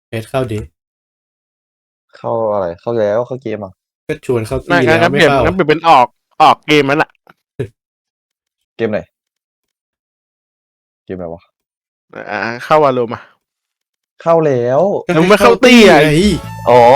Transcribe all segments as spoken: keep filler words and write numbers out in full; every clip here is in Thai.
เอสเข้าดิเข้าอะไรเข้าแล้วเข้าเกมอ่ะก็ชวนเข้าตีงั้นแล้วงั้นไม่เปลี่ยนเข้างั้นเปลี่ยนเป็นออกออกเกมนั้นแหละเกมไหนเกมอะไรวะอ่าเข้าวาโลมาเข้าแล้วก็มึงให้ไม่เข้าตี้อ่ะไงอ๋อ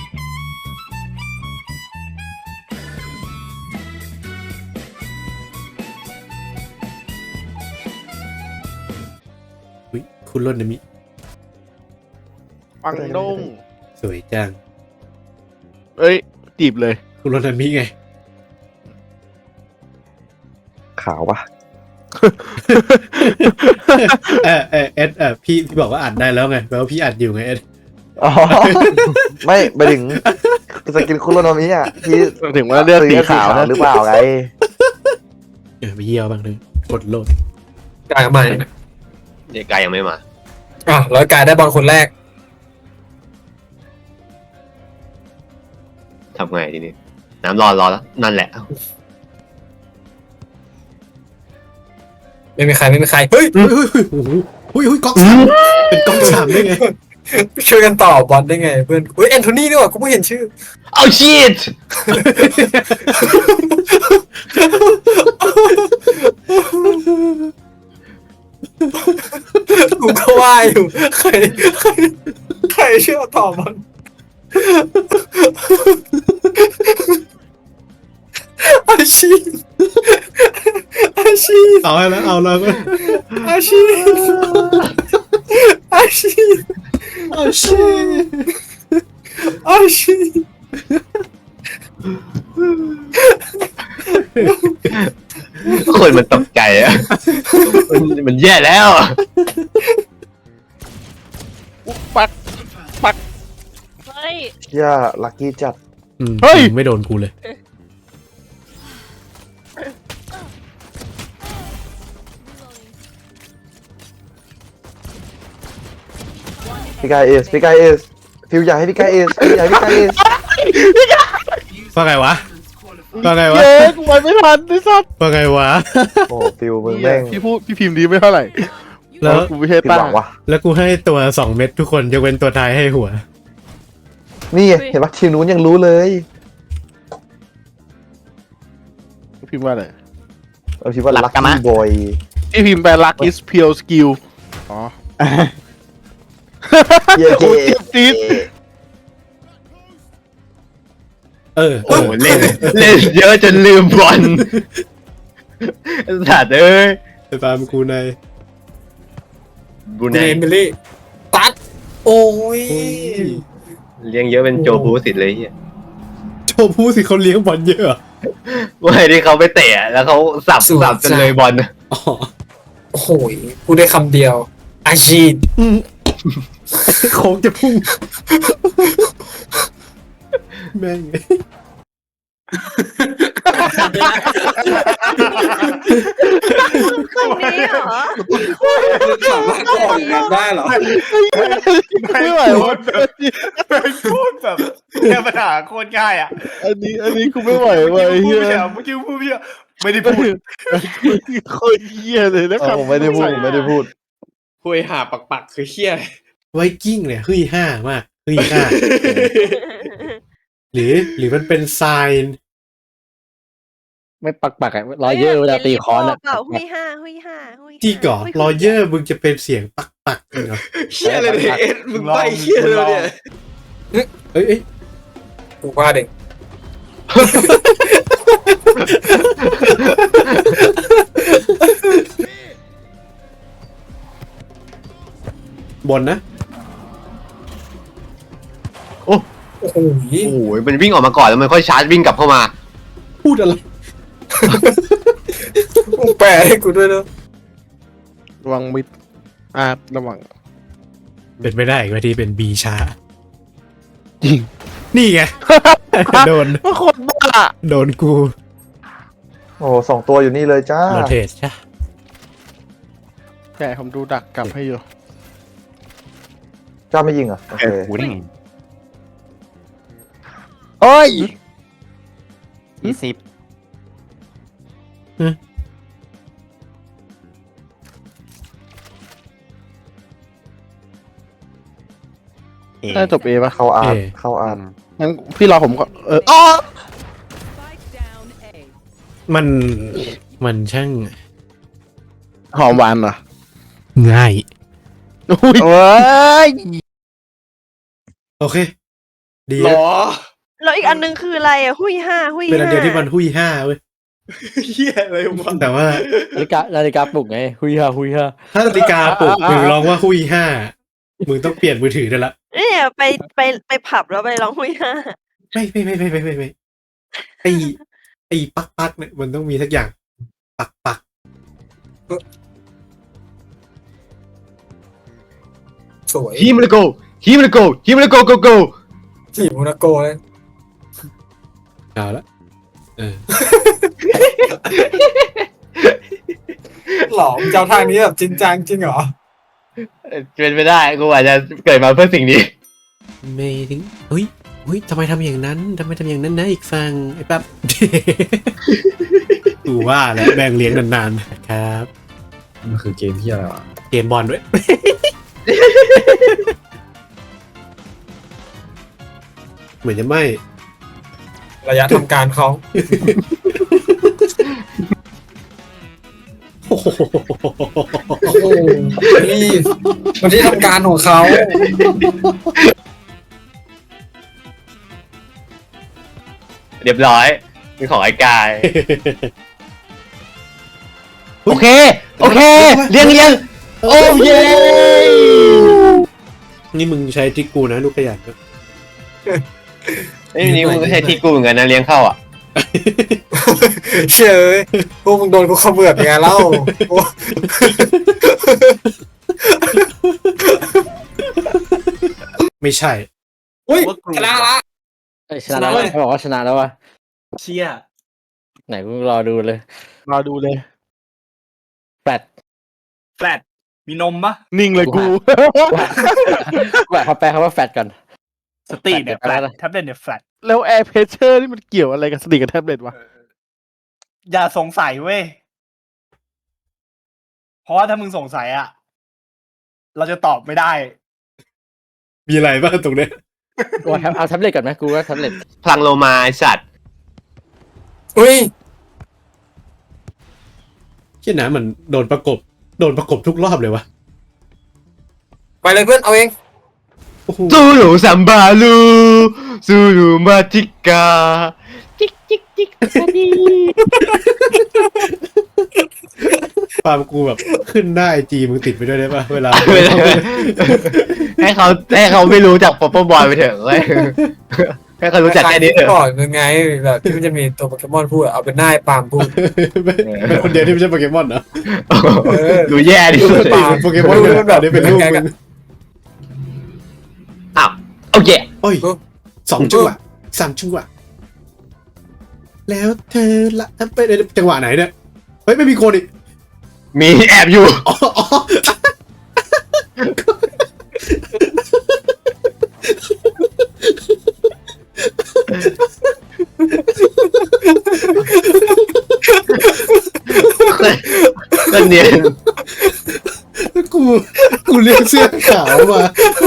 อุ๊ยคุณรถนะมิปังดงสวยจังเอ้ยจีบเลยคุณรถนะมิไงขาวปะเออเออเอสเออพี่พี่บอกว่าอัดได้แล้วไงแปลว่าพี่อัดอยู่ไงเอสอ๋อ ไม่ไปถึงสกินคุโรโนมิอ่ะที่ถึงว่าเลือกสีขาวนะหรือเปล่าไงเออไปเยี่ยวบ้างเลยกดโหลดกายมาเนี่ยเด็กกายยังไม่มาอ่ะร้อยกายได้บอลคนแรกทำไงทีนี้ น้ำร้อนรอแล้ว นั่นแหละไม่มีใครไม่มีใครเฮ้ยเฮ้ยเฮ้ยเฮ้ยโอ้โหเฮ้ยเฮ้ยก๊อกสามเป็นก๊อกสามได้ไงช่วยกันต่อบอลได้ไงเพื่อนเฮ้ยแอนโทนีนี่หว่ากูเพิ่งเห็นชื่อเอาชีตกูก็ว่าอยู่ใครใครใครเชื่อต่อบอลอาชีพอาชีพเอาให้แล้วเอาแล้วอาชีพอาชีพเอาชิอาชีพคนมันตกใจอะมันมันแย่แล้วปักปักเฮ้ยย่าลักกี้จัดอืมเฮ้ยไม่โดนกูเลยพี่กายเอสพี่กายเอสฟิวอยากให้พี่กายเอสฟิวอยากให้พี่กายเอสว่าไงวะว่าไงวะเย้กูไปไม่ทันไอ้สัสว่าไงวะโอ้ฟิวมึงแม่งพี่พูดพี่พิมพ์ดีไม่เท่าไหร่แล้วกูไม่ใช่ผิดตั้หงวังวะแล้วกูให้ตัวสองเม็ดทุกคนยกเว้นตัวท้ายให้หัวนี่ไงเห็นปะทีมนู้นยังรู้เลยพิมพ์ว่าอะไรเราคิดว่าลักกี้บอยพี่พิมพ์แปล luck is pure skill อ๋อเย้โอ้ยเจ็บจี๊ดเออโอ้โหเล่นเล่นเยอะจนลืมบอลสัตว์เอ้ยไปตามกูในบรูเนไนมิลี่ตัดโอ้ยโอ้ยเลี้ยงเยอะเป็นโจบูสิทธิ์เลยเฮียโชว์ผู้สิเขาเลี้ยงบอลเยอะเหรอว่าไอ้ที่เขาไปเตะแล้วเขาสับสับจนเลยบอลอ๋อโอ้โหกูได้คำเดียว อาชีพอืมโค้งจะพุ่งแม่งคนนี้เหรอสามารถออกงานได้เหรอไม่ไหววะพูดแบบแก้ปัญหาโคตรง่ายอ่ะอันนี้อันนี้กูไม่ไหวเมื่อว่ะกี้ไอ้พูดเหี้ยไม่ใช่เหรอเมื่อกี้พูดไม่ใช่เหรอไม่ได้พูดโคตรเหี้ยเลยนะเอคอรับผมไม่ได้พูดผมไม่ได้พูดคุยหาปักปักคือเฮี้ยไวกิ้งเนี่ยเฮ้ยห้ามากเฮ้ยห้าหรือหรือมันเป็นไซน์ไม่ปักปักอะรอยเยอร์เวลาตีคอนอะเปล่าหุยห้าหุยห้าหุยห้าที่ก่อนรอยเยอร์มึงจะเป็นเสียงปักปักเหรอเฮี้ยเลยเนี่ยเอ็ดมึงไปเฮี้ยเลยเนี่ยเอ้ยเอ้ยกูว่าเด็กบนนะโอ้โหโอ้โหมันวิ่งออกมาก่อนแล้วมันค่อยชาร์จวิ่งกลับเข้ามาพูดอะไรมึงแปลให้กูด้วยนะระวังมิดอ่าระวังเป็นไม่ได้อีกว่าที่เป็นบีชาจริงนี่ไง โดนว่าคนบ้าโดนกูโอ้สองตัวอยู่นี่เลยจ้าโรเทตใช่แกผมดูดักกลับให้อยู่จ้าไม่ยิงเหรอ่ะโอเคโอ้ยยี่สิบน่าจะจบเอปะเข้าอาร์ตเอเข้าอาร์ตงั้นพี่รอผมก็เอออ๋อมันมันช่างหอมหวานเหรอง่ายอุ้ยโอ้ยโอเค ดีหรนะอแล้วอีกอันนึงคืออะไรอ่ะ หุยห้า หุยเป็นอันห้าเดียวที่มันหุยห้าเว้ยเฮียอะไรวะแต่ว่านาฬิกานาฬิกาปลุกไงหุยฮาหุยฮาถ้านาฬิกาปลุกมึงร้องว่าหุยห้ามึงต้องเปลี่ยนมือถือได้ละเนี่ยไปไปไปผับแล้วไปร้องหุยห้าไม่ไม่ไม่ไม่ไม่ไม่ไม่ไอไอปักปักเนี่ยมันต้องมีสักอย่างปักปักสวยฮิมเลโกฮิมเลโกฮิมเลโกโกโกจีบโมนาโกเลยเอาละเออหรอมึงเจ้าทางนี้แบบจริงจังจริงเหรอเป็นไปได้กูอาจจะเกิดมาเพื่อสิ่งนี้ไม่ถึงเฮ้ยเฮ้ยทำไมทำอย่างนั้นทำไมทำอย่างนั้นนะอีกฟังไอ้แป๊บ กูว่าแล้วแบ่งเลี้ยงนานๆครับมันคือเกมที่อะไรวะเกมบอลด้วย เหมือนจะไม่ระยะทำการเขาโอ้โหโอ้โหนี่มันที่ทำการของเขาเรียบร้อยเป็นของไอ้กาย โอเค โอเคเลี้ยงเลี้ยงโอ้เย้นี่มึงใช้ทริกกูนะลูกขยันนะไอ้ยนี่มึงก็ใช้ที่กูเหมือนกันนะเลี้ยงเข้าอ่ะเชยพวกมึงโดนกูขมือบยังไงเล่าโอ้ไม่ใช่อุ้ยชนะละเอ้ยชนะแล้วเขาบอกว่าชนะแล้ววะเชี่ยไหนกูรอดูเลยรอดูเลยแฟลตแฟลตมีนมปะนิ่งเลยกูกูแบบเขาแปลคำว่าแฟลตก่อนสตรีทเนี่ยแฟแฟลลตตแท็บเล็ตเนี่ยแฟลตแล้วแอร์เพเชอร์นี่มันเกี่ยวอะไรกับสติกับแท็บเล็ตวะอย่าสงสัยเว้ย เพราะว่าถ้ามึงสงสัยอะเราจะตอบไม่ได้มีอะไรบ้างตรงเนี้ยว่าเอาแท็บเล็ตก่อนไหมกูว่าแท็บเล็ตพลังโลมาไอ้สัตว์อุ้ยเชี่ยนะมันโดนประกบโดนประกบทุกรอบเลยวะไปเลยเพื่อนเอาเองโอ้โหซูลูซัมบาลูซูลูมาจิกาจิกจิกจิกซาดีปาล์มกูแบบขึ้นหน้าไอจีมึงติดไปด้วยได้ปะเวลาให้เขาให้เขาไม่รู้จักป๊อปปบอยไปเถอะเว้ยให้เขารู้จักแค่นี้เถอะก่อนยังไงแบบที่มันจะมีตัวโปเกมอนพูดอะเอาเป็นหน้าไอ้ปาล์มพูดเป็นคนเดียวที่ไม่ใช่โปเกมอนเหรอดูแย่ดิสุดปาล์มโปเกมอนเป็นแบบนี้เป็นลูกมึงอ้าวโอเคโอ้ยสองจังหวะสามจังหวะแล้วเธอละไปจังหวะไหนเนี่ยเฮ้ยไม่มีคนอีกมีแอบอยู่อ๋ออ๋อก็เนียนกูกูเรียกเสื้อขาวมา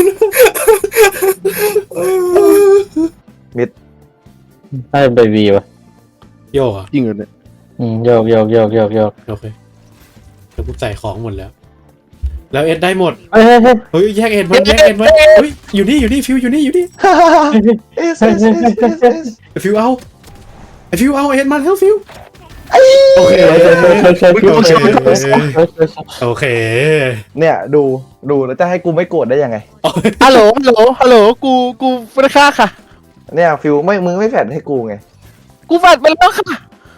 ถ้าเป็นไปวีวะโยกอ่ะจริงเหรอเนี่ยอืมโยกโยกโยกโยกโยกโอเคแล้วกูใส่ของหมดแล้ว แล้วเอ็ดได้หมดเฮ้ยเฮ้ยเฮ้ยเฮ้ยแยกเอ็ดมันแยกเอ็ดมันเฮ้ยอยู่นี่อยู่นี่ฟิวอยู่นี่อยู่นี่เอสเอสเอสเอสเอสไอฟิวเอาไอฟิวเอาเอ็ดมาแล้วฟิวโอเคเฮ้ยเฮ้ยเฮ้ยเฮ้ยเฮ้ยเฮ้ยเฮ้ยเฮ้ยเฮ้ยโอเคเนี่ยดูดูแล้วจะให้กูไม่โกรธได้ยังไงฮัลโหลฮัลโหลฮัลโหลกูกูไม่ได้ฆ่าค่ะเนี่ยฟิวไม่มึงไม่แฟดให้กูไงกูแฟลตไปแล้วค่ะ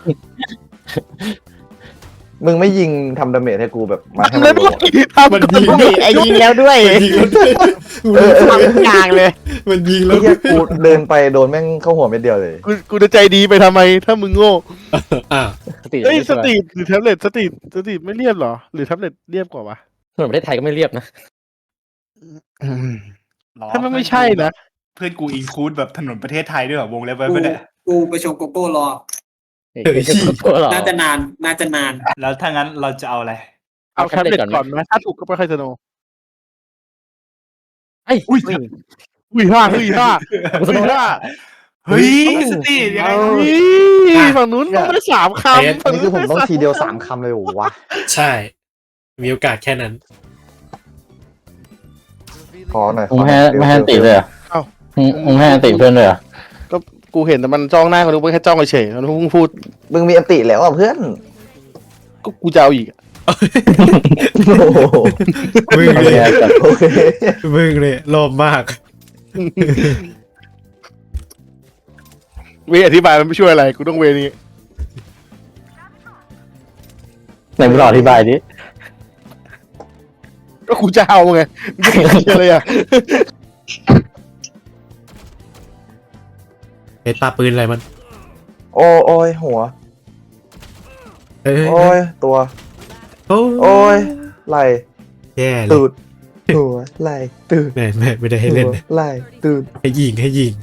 มึงไม่ยิงทำดาเมจให้กูแบบมาให้แล้มัวน ด้วยทำมันก่อนยิงด้วยไอ้ยิงแล้วด้วยมันยิงแล้วด้วยกูรู้สึกทำกลางเลยมันยิงแล้ไอ้วเหี้ยกูเดินไปโดนแม่งเข้าหัวเม็ดเดียวเลยกูกูจะใจดีไปทำไม ถ้ามึงโง่อ่ะสติเอ้ยสตรีทหรือแท็บเล็ตสตรีทสตรีทไม่เรียบเหรอ หรือแท็บเล็ตเรียบกว่าวะถนนประเทศไทยก็ไม่เรียบนะหรอถ้ามันไม่ใช่นะเพื่อนกูอินคูดแบบถนนประเทศไทยด้วยเหรอวงเล็บไว้ไม่ได้กูไปชมโกโก้รอเฮ้ยหรอน่าจะนาน น่าจะนานแล้วถ้างั้นเราจะเอาอะไรเอาแท็บเล็ตก่อนไหมถ้าถูกก็ไปค่อยสโนว์ไอ้อุ้ยหุยห้าหุยห้าหุยห้าเฮ้ยสติยังไงนี่ฝั่งนู้นต้องไม่ได้สามคำฝั่งนี่คือผมต้องทีเดียวสามคำเลยเหรอวะใช่ มีโอกาสแค่นั้นขอหน่อยมึงให้ไม่ให้ติเลยเหรอ่ะมึงมึงให้ติเพื่อนเลยเหรอ่ะก็กูเห็นแต่มันจ้องหน้ากูนึกว่าแค่จ้องเฉยๆมันเพิ่งพูดมึงมีอันติแล้วอ่ะเพื่อนก็กูจะเอาอีกโอ้โหมึงเลยโอเคมึงเลยโลภมากเวอธิบายมันไม่ช่วยอะไรกูต้องเวนี้ไหนมึงลองอธิบายดิก็กูจะเอาไงมึงจะเชื่ออะไรอ่ะเอ็ดปาปืนอะไรมันโอ้โอ้ยหัวเอ้ยโอ้ยตัวโอ้โอ้ยไหลแย่เลตูยดหัวไหลตูดแม่แม่ไม่ได้ให้เล่นหัวไหลตูดให้ยิงให้ยิง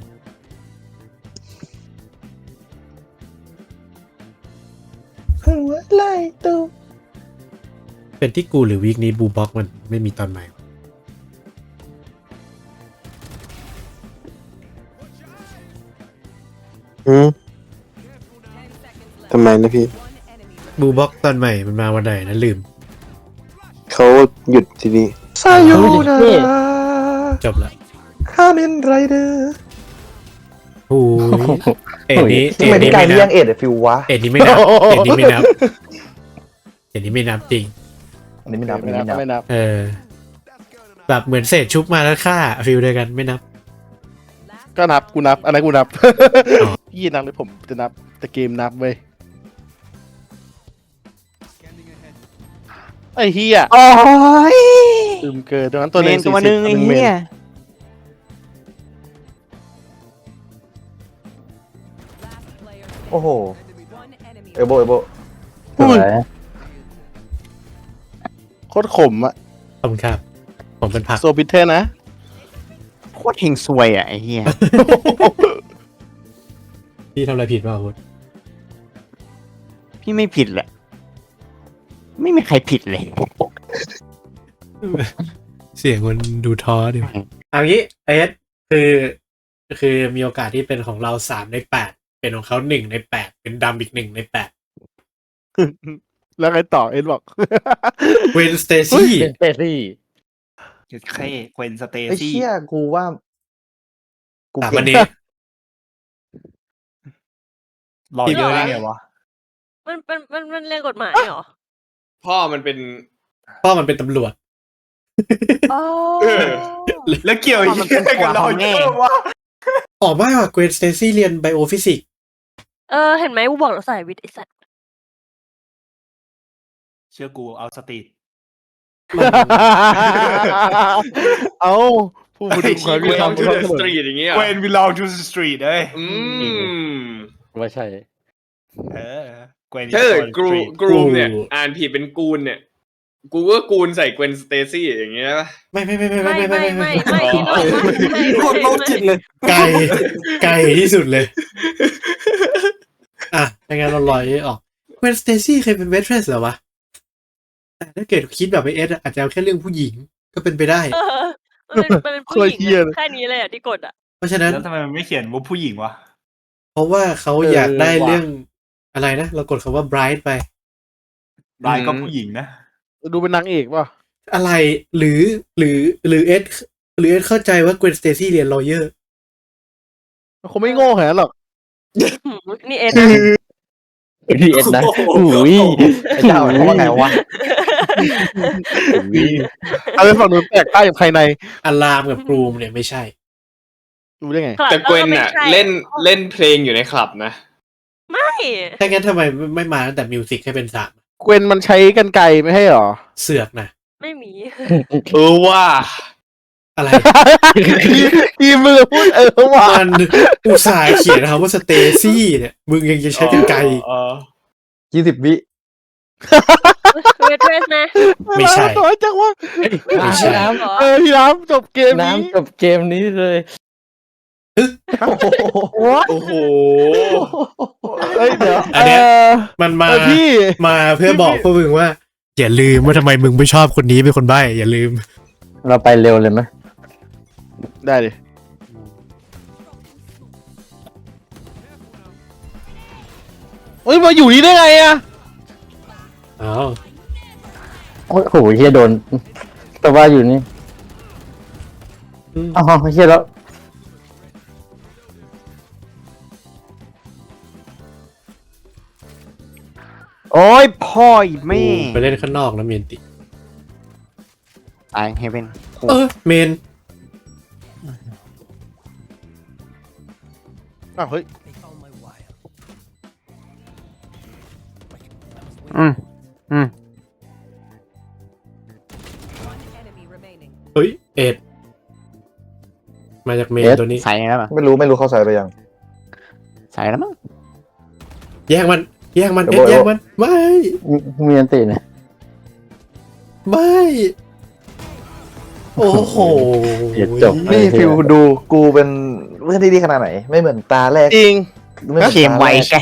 หัวไหลตูดเป็นที่กูหรือวีคนี้บูบ็อกมันไม่มีตอนใหม่อืมทำไมนะพี่บูบ็อกตอนใหม่มันมาวันไหนนะลืมเขาหยุดทีนี้ซาโยนาจบละคาเมนไรเดอร์โอ้ยเอ็ดนี้ทำไมเอ็ดพี่นี้กายไม่เลี้ยนังบเอ็ดอะฟิววะเอ็ดนี้ไม่นับเอ็ดนี้ไม่นับเอ็ดนี้ไม่นับจริงอันนี้ไม่นับอันไม่นี้นับไม่นับไม่นับเออแบบเหมือนเศษชุบมาแล้วฆ่าฟิลเดียวกันไม่นับก็นับกูนับอันนั้นกูนับพี่นับเลยผมจะนับแต่เกมนับเว้ยไอ้เฮียโอ้ยลืมเกินตรงนั้นตัวเมเล่นนตัวนึงไอ้เหี้ยโอ้โหเอโบเอโบสวยโคตรขมอะขอบคุณครับ ผมเป็นผักโซบิเทอร์นะโคตรเฮงซวยอ่ะไอ้เหี้ยพี่ทำอะไรผิดเปล่าคุณพี่ไม่ผิดแหละ ไม่มีใครผิดเลยเสียงมันดูท้อดิเอางี้เอสคือ คือมีโอกาสที่เป็นของเราสามในแปดเป็นของเขาหนึ่งในแปดเป็นดำอีกหนึ่งในแปดแล้วไงต่อเอ็นบอกเวนสเตซี่เป็นเตซี่เคเควนสเตไอ้ซี่เชี่ยกูว่ากูสามเก่วันงนี้รอเยอะได้ไงวะมันมันมันมันเรียนกฎหมายเหรอพ่อมันเป็นพ่อมันเป็นตำรวจอ๋อแล้วเกี่ยวยี่กับเราเยอะวะออกมาว่าเกรนสเตซี่เรียนไบโอฟิสิกส์เออเห็นไหมกูบอกเราใส่วิทย์ไอ้สัตว์เชื่อกูเอาสติเอาผู้บริชีความเวยุติธรลรมทูเดอะสตรีทอย่างเงี้ยเวนวิลองทูสตรีทเอ้ยอืมไม่ใช่เออเวนถ้าเกิดกรูกรูมเนี่ย อ่านผิดเป็นกูนเนี่ย กูก็กูนใส่เกวนสเตซี่อย่างเงี้ยป่ะไม่ไม่ไม่ไม่ไม่ไม่ไม่ไม่ไม่ไม่ที่เราไม่โคตรโรคจิตเลยไกลไกลที่สุดเลย อ่ะในงานเราลอยออกเกรนสเตซี่เคยเป็นเวทเทรสเหรอวะแต่ถ้าเกิดคิดแบบไอเอสอาจจะเอาแค่เรื่องผู้หญิงก็เป็นไปได้เออมันเป็นมันเป็นผู้หญิงอะแค่นี้เลยอ่ะที่กดอ่ะเพราะฉะนั้นแล้วทำไมมันไม่เขียนว่าผู้หญิงวะเพราะว่าเขาอยากได้เรื่องอะไรนะ เรากดคำว่า bright ไปรายก็ผู้หญิงนะดูเป็นนางเอกป่ะอะไรหรือหรือหรือเอสหรือเอสเข้าใจว่าเกรนสเตซี่เรียน lawyer มันคงไม่โง่ขนาดนั้นหรอกหืมนี่เอ็นนะพีเอสนะอุ้ยไอ้เจ้าเขาว่าไงวะเอาไปฝั่งนู้นแตกใต้กับภายในอลามกับกรูมเนี่ยไม่ใช่ดูได้ไงแต่เกวนน่ะ เล่นเล่นเพลงอยู่ในคลับนะไม่ถ้างั้นทำไมไม่มาตั้งแต่มิวสิกให้เป็นสามเกวนมันใช้กันไกลไม่ให้หรอเสือกนะไม่มีเออว่าอะไรทีมือพูดเออว่ามันอุตส่าห์เขียนคำว่าสเตซี่เนี่ย มึงยังจะใช้กันไกลเออยี่สิบวิเวทเทรสนะไม่ใช่น้อยจังวะไม่ใช่น้เหรอเออพี่น้ำจบเกมำนี้น้ำจบเกมนี้เลยโอ้โหเอ้ยเดี๋ยวอันเนี้ยเมันมาเออพี่มาเพื่อบอกพวกมึงว่า อย่าลืมว่าทำไมมึงไม่ชอบคนนี้เป็นคนใบ้อย่าลืมเราไปเร็วเลยไหมได้ดิเอ้ยมาอยู่นี่ได้ไงอะอ้าวโอ้โหเฮียโดน แต่ว่าอยู่นี่อ๋อเฮียแล้วโอ้ยพ่ออีแม่ไปเล่นข้างนอกนะเมนติตายเฮเว่นเออเมนอ้าวเฮ้ยอืมอืมเฮ้ยเอ็ดมาจากเมนตัวนี้ใส่แล้วมั้งไม่รู้ไม่รู้เข้าใส่ไปยังใส่แล้วมั้งแย่งมันแย่งมันเดี๋เอ็ยวดบอกแย่งมันไม่มีอันตีเนี่ยไม่โอ้โหเดี๋ยวจบนี่ฟิวดูกูเป็นเพื่อนที่ดีขนาดไหน ไม่เหมือนตาแรกจริงไม่หอนเกมไวตาแรกแค่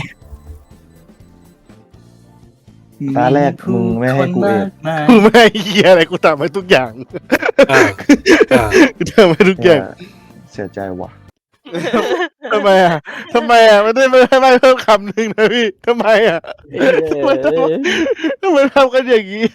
ตาแรกมึงไม่ให้กูเองกูไม่ให้เฮียอะไรกูทำให้ทุกอย่างอ่าอ่ากูทำให้ทุกอย่างเสียใจว่ะทำไมอ่ะทำไมอ่ะไม่ได้ไม่ได้ไม่เพิ่มคำหนึ่งนะพี่ทำไมอ่ะทำไมทำทำไมทำกันอย่างนี้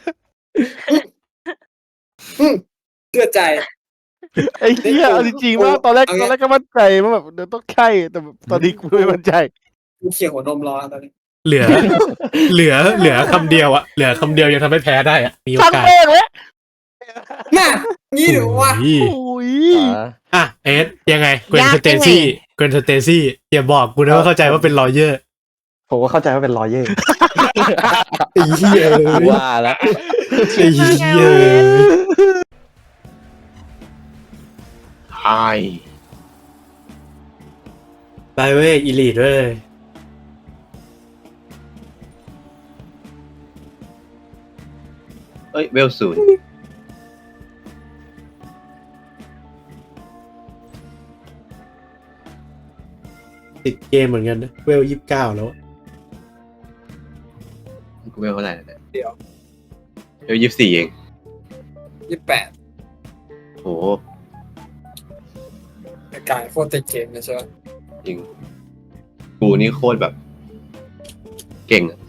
เชื่อใจไอ้เหี้ยเอาจริงๆว่าตอนแรกตอนแรกก็มั่นใจว่าแบบเดี๋ยวต้องใช่แต่แบบตอนนี้กูไม่มั่นใจกูเขี่ยหัวนมรอตอนนี้เหลือ เหลือเหลือคำเดียวอะเหลือคำเดียวยังทำให้แพ้ได้อะมีโอช่างกาสแม่งเลยน่ะงี้เดี๋ยววะโอ้ยโอ้ยอ่ะเอ็ดยังไงเกวนสเตซี่เกวนสเตซี่อย่าบอกกูนะว่าเข้าใจว่าเป็นลอเยอร์ผมก็เข้าใจว่าเป็นรอยเย่ไอ้เหี้ยว่าแล้วไอ้เหี้ยไอ้ไปเว้ยอีลีดเว้ยเอ้ยเวลศูนย์ติดเกมเหมือนกันนะเวลยี่สิบเก้าแล้วกูเวลเท่าไหร่แล้วเนี่ยเดี๋ยวเวลยี่สิบสี่เองยี่สิบแปดโหในกายโคตรติดเกมเลยใช่ไหมจริง กูนี่โคตรแบบ เก่งอะ